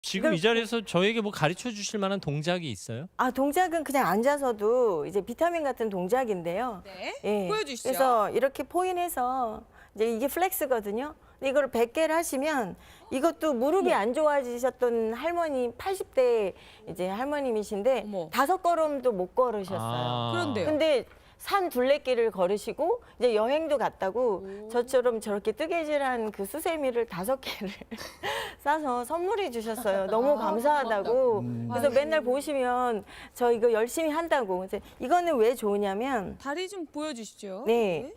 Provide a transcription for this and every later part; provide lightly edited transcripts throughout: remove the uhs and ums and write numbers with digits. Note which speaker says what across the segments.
Speaker 1: 지금 이 자리에서 저에게 뭐 가르쳐 주실 만한 동작이 있어요?
Speaker 2: 동작은 그냥 앉아서도 이제 비타민 같은 동작인데요.
Speaker 3: 네.
Speaker 2: 예.
Speaker 3: 보여주시죠.
Speaker 2: 그래서 이렇게 포인해서 이제 이게 플렉스거든요. 근데 이걸 100개를 하시면 이것도 무릎이 안 좋아지셨던 할머니 80대 이제 할머님이신데
Speaker 3: 어머.
Speaker 2: 5걸음도 못 걸으셨어요.
Speaker 3: 그런데요?
Speaker 2: 근데 산 둘레길을 걸으시고 이제 여행도 갔다고 저처럼 저렇게 뜨개질한 그 수세미를 5개를 싸서 선물해 주셨어요. 너무 감사하다고. 그래서 맨날 보시면 저 이거 열심히 한다고. 그래서 이거는 왜 좋으냐면
Speaker 3: 다리 좀 보여주시죠.
Speaker 2: 네.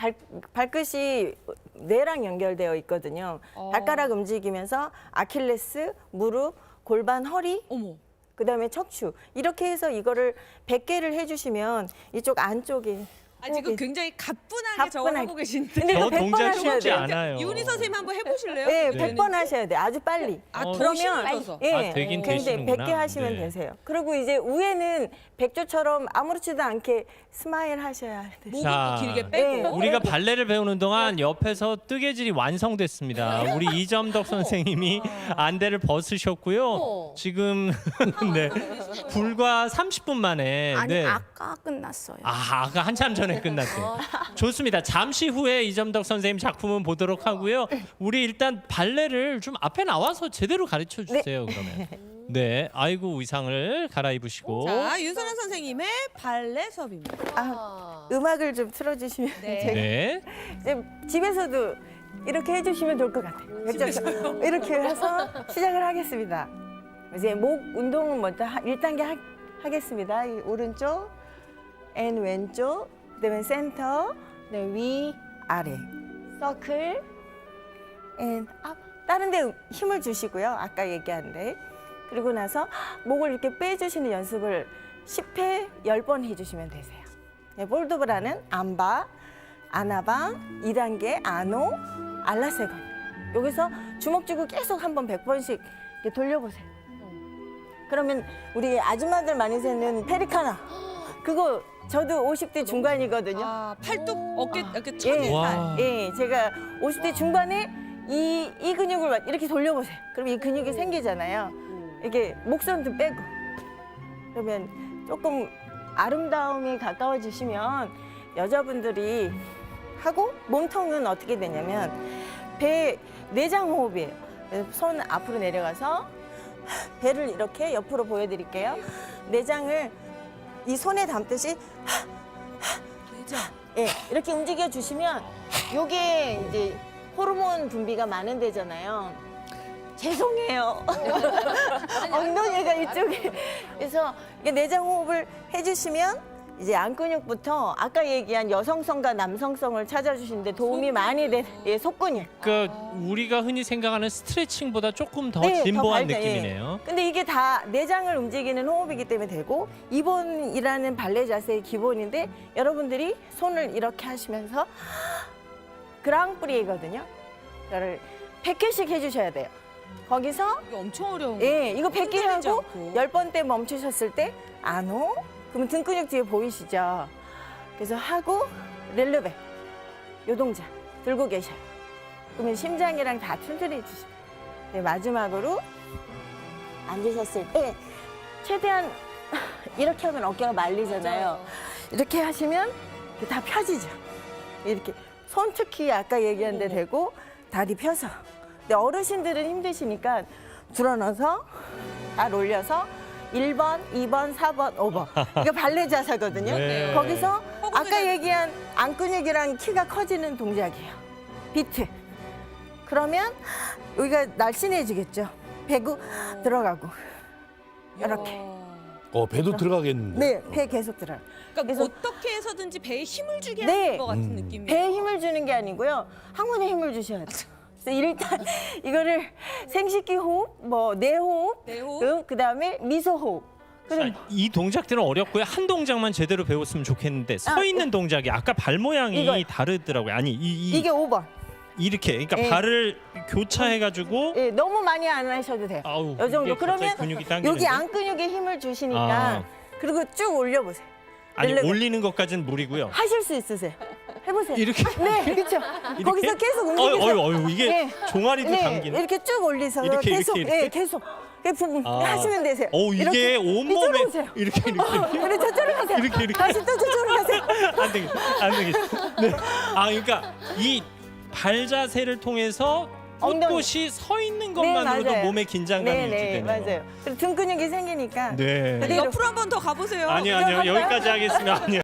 Speaker 2: 발끝이 뇌랑 연결되어 있거든요. 발가락 움직이면서 아킬레스, 무릎, 골반, 허리,
Speaker 3: 어머.
Speaker 2: 그다음에 척추 이렇게 해서 이거를 100개를 해주시면 이쪽 안쪽에
Speaker 3: 지금 굉장히 가뿐하게 저걸
Speaker 2: 가뿐하게.
Speaker 3: 하고 계신데.
Speaker 2: 근데
Speaker 1: 저
Speaker 2: 이거 100번
Speaker 1: 동작
Speaker 2: 하셔야
Speaker 1: 쉽지
Speaker 2: 돼요.
Speaker 1: 않아요.
Speaker 3: 유니 선생님 한번 해보실래요?
Speaker 2: 네,
Speaker 1: 네.
Speaker 2: 100번 하셔야 돼요. 아주 빨리.
Speaker 3: 더
Speaker 2: 그러면
Speaker 3: 힘을 줘서.
Speaker 1: 되긴
Speaker 2: 굉장히
Speaker 1: 되시는구나.
Speaker 2: 100개 하시면
Speaker 1: 네.
Speaker 2: 되세요. 그리고 이제 위에는 백조처럼 아무렇지도 않게 스마일 하셔야 돼요.
Speaker 3: 목은
Speaker 1: 자,
Speaker 3: 또 길게
Speaker 2: 네.
Speaker 3: 빼고.
Speaker 1: 우리가 발레를 배우는 동안 옆에서 뜨개질이 완성됐습니다. 우리 이점덕 선생님이 안대를 벗으셨고요. 지금 네, 불과 30분 만에
Speaker 4: 아니
Speaker 1: 네.
Speaker 4: 아까 끝났어요.
Speaker 1: 아까 한참 전에 끝났어요. 좋습니다. 잠시 후에 이점덕 선생님 작품은 보도록 하고요. 우리 일단 발레를 좀 앞에 나와서 제대로 가르쳐 주세요. 그러면. 네, 아이고 의상을 갈아입으시고.
Speaker 3: 자, 윤선아 선생님의 발레 수업입니다.
Speaker 2: 음악을 좀 틀어주시면
Speaker 3: 네.
Speaker 2: 제가
Speaker 1: 네.
Speaker 2: 이제 집에서도 이렇게 해주시면 좋을 것 같아요. 이렇게 해서 시작을 하겠습니다. 이제 목 운동은 먼저 1단계 하겠습니다. 이 오른쪽, 앤 왼쪽, 그다음에 센터, 그다음에 위, 아래, 서클, 앤 업. 다른 데 힘을 주시고요. 아까 얘기한 데. 그리고 나서 목을 이렇게 빼주시는 연습을 10회 10번 해주시면 되세요. 네, 볼도브라는 안바, 아나방, 2단계 아노, 알라세건. 여기서 주먹 쥐고 계속 한번 100번씩 이렇게 돌려보세요. 그러면 우리 아줌마들 많이 세는 페리카나. 그거 저도 50대 중반이거든요.
Speaker 3: 팔뚝, 어깨, 이렇게
Speaker 2: 예,
Speaker 3: 천이살.
Speaker 2: 예, 제가 50대 중반에 이 근육을 이렇게 돌려보세요. 그럼 이 근육이 생기잖아요. 이렇게 목선도 빼고. 그러면 조금 아름다움이 가까워지시면 여자분들이 하고 몸통은 어떻게 되냐면 배 내장 호흡이에요. 손 앞으로 내려가서 배를 이렇게 옆으로 보여드릴게요. 내장을 이 손에 담듯이
Speaker 3: 내장.
Speaker 2: 예, 이렇게 움직여 주시면 요게 이제 호르몬 분비가 많은 데잖아요. 죄송해요. 엉덩이가 이쪽에. 그래서 이게 내장 호흡을 해주시면 이제 안 근육부터 아까 얘기한 여성성과 남성성을 찾아주시는데 도움이 많이 돼. 예, 속근육.
Speaker 1: 그러니까 우리가 흔히 생각하는 스트레칭보다 조금 더
Speaker 2: 네,
Speaker 1: 진보한
Speaker 2: 더 밝다,
Speaker 1: 느낌이네요.
Speaker 2: 근데 이게 다 내장을 움직이는 호흡이기 때문에 되고 이번이라는 발레 자세의 기본인데 여러분들이 손을 이렇게 하시면서 그랑프리거든요. 이거를 100개씩 해주셔야 돼요. 거기서
Speaker 3: 이게 엄청 어려운
Speaker 2: 예, 이거 100개
Speaker 3: 흔들리지
Speaker 2: 하고
Speaker 3: 않고.
Speaker 2: 10번 때 멈추셨을 때 안오? 그러면 등 근육 뒤에 보이시죠? 그래서 하고 렐르베 요 동작 들고 계셔요. 그러면 심장이랑 다 튼튼해 주시고 네, 마지막으로 앉으셨을 때 최대한 이렇게 하면 어깨가 말리잖아요. 이렇게 하시면 이렇게 다 펴지죠. 이렇게 손 특히 아까 얘기한 데 대고 다리 펴서. 근데 어르신들은 힘드시니까 줄어넣어서 발 올려서 1번, 2번, 4번, 5번. 이거 발레 자세거든요.
Speaker 1: 네.
Speaker 2: 거기서 아까
Speaker 3: 허벅지가
Speaker 2: 얘기한 안 근육이랑 키가 커지는 동작이에요. 비트. 그러면 여기가 날씬해지겠죠. 배구 들어가고. 이렇게.
Speaker 5: 배도 들어가겠는데.
Speaker 2: 네, 배 계속 들어요.
Speaker 3: 그러니까
Speaker 2: 그래서-
Speaker 3: 어떻게 해서든지 배에 힘을 주게
Speaker 2: 네.
Speaker 3: 하는 것 같은 느낌이에요.
Speaker 2: 배에 힘을 주는 게 아니고요. 항문에 힘을 주셔야 돼요. 그래서 일단 이거를 생식기 호흡, 뭐 내호흡,
Speaker 3: 내호흡.
Speaker 2: 그다음에 미소 호흡. 그럼
Speaker 1: 자, 이 동작들은 어렵고요. 한 동작만 제대로 배웠으면 좋겠는데 서 있는 동작이 아까 발 모양이
Speaker 2: 이거.
Speaker 1: 다르더라고요. 아니
Speaker 2: 이게 5번.
Speaker 1: 이렇게 그러니까
Speaker 2: 예.
Speaker 1: 발을 교차해가지고
Speaker 2: 예, 너무 많이 안 하셔도 돼요.
Speaker 1: 아우,
Speaker 2: 요 정도.
Speaker 1: 이게 갑자기
Speaker 2: 그러면
Speaker 1: 근육이 당기는데?
Speaker 2: 여기 안 근육에 힘을 주시니까
Speaker 1: 아.
Speaker 2: 그리고 쭉 올려보세요.
Speaker 1: 아니
Speaker 2: 렐레베.
Speaker 1: 올리는 것까지는 무리고요.
Speaker 2: 하실 수 있으세요. 해보세요.
Speaker 1: 이렇게
Speaker 2: 네, 그렇죠. 거기서 계속 움직이세요.
Speaker 1: 어유 이게
Speaker 2: 네.
Speaker 1: 종아리도
Speaker 2: 네,
Speaker 1: 당기네.
Speaker 2: 이렇게 쭉 올리서
Speaker 1: 이렇게,
Speaker 2: 계속,
Speaker 1: 이렇게.
Speaker 2: 예, 계속 하시면 되세요.
Speaker 1: 오 이게
Speaker 2: 이렇게.
Speaker 1: 온몸에
Speaker 2: 이쪽으로 오세요.
Speaker 1: 이렇게
Speaker 2: 그래 저쪽으로 가세요.
Speaker 1: 이렇게.
Speaker 2: 다시 또 저쪽으로 가세요.
Speaker 1: 안 되겠다. 안 되겠다. 네. 아 그러니까 이 발 자세를 통해서 꼿꼿이 서 있는 것만으로도
Speaker 2: 맞아요.
Speaker 1: 몸의 긴장감이
Speaker 2: 네, 네,
Speaker 1: 유지되네요.
Speaker 2: 맞아요. 그리고 등 근육이 생기니까
Speaker 1: 네.
Speaker 2: 그대로.
Speaker 3: 옆으로 한 번 더 가보세요.
Speaker 1: 아니요, 여기까지 하겠습니다. 아니요.